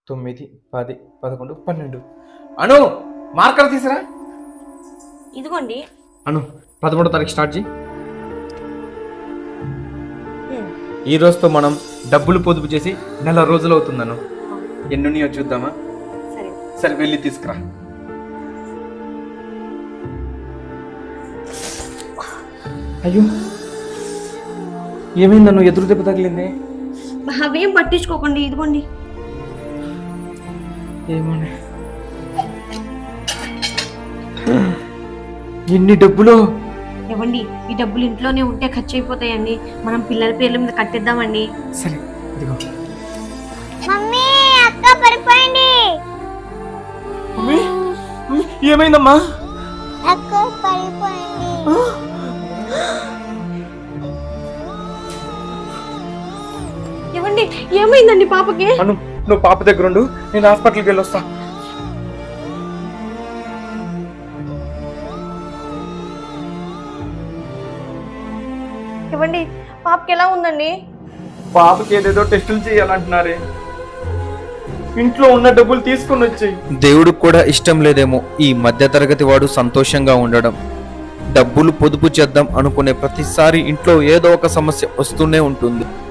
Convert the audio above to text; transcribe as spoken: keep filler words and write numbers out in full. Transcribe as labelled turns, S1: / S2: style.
S1: తొమ్మిది, పది, పదకొండు, పన్నెండు. అను మార్కర్ తీసిరా.
S2: ఇదిగోండి.
S1: అను పదమూడో తారీఖు స్టార్ట్ చేయి. ఈ రోజుతో మనం డబ్బులు పొదుపు చేసి నెల రోజులు అవుతుందను. ఎన్నున్నాయో చూద్దామా?
S2: సరే
S1: సరే వెళ్ళి తీసుకురా. అయ్యో ఏమైందను? ఎదురు దెబ్బ తగిలింది.
S2: అవేం పట్టించుకోకండి. ఇదిగోండి.
S1: ఏమని ఎన్ని డబ్బులు?
S2: ఇవ్వండి. ఈ డబ్బులు ఇంట్లోనే ఉంటే ఖర్చు అయిపోతాయండి. మనం పిల్లల పేర్ల మీద కట్టేద్దామండి.
S1: సరే ఇదిగో.
S3: మమ్మీ అక్క పడిపోయింది.
S1: మమ్మీ ఏమైందమ్మా?
S3: అక్క పడిపోయింది.
S2: ఇవ్వండి. ఏమైందండి పాపకి?
S1: అను నువ్వు పాప దగ్గర ఉండు, నేను హాస్పిటల్కి వెళ్ళి వస్తా.
S2: ఇవ్వండి. పాపకి ఎలా ఉందండి?
S1: పాపకి ఏదేదో టెస్టులు చేయాలంటున్నారే. ఇంట్లో ఉన్న డబ్బులు తీసుకుని వచ్చాయి. దేవుడికి కూడా ఇష్టం లేదేమో ఈ మధ్య తరగతి వాడు సంతోషంగా ఉండడం. డబ్బులు పొదుపు చేద్దాం అనుకునే ప్రతిసారి ఇంట్లో ఏదో ఒక సమస్య వస్తూనే ఉంటుంది.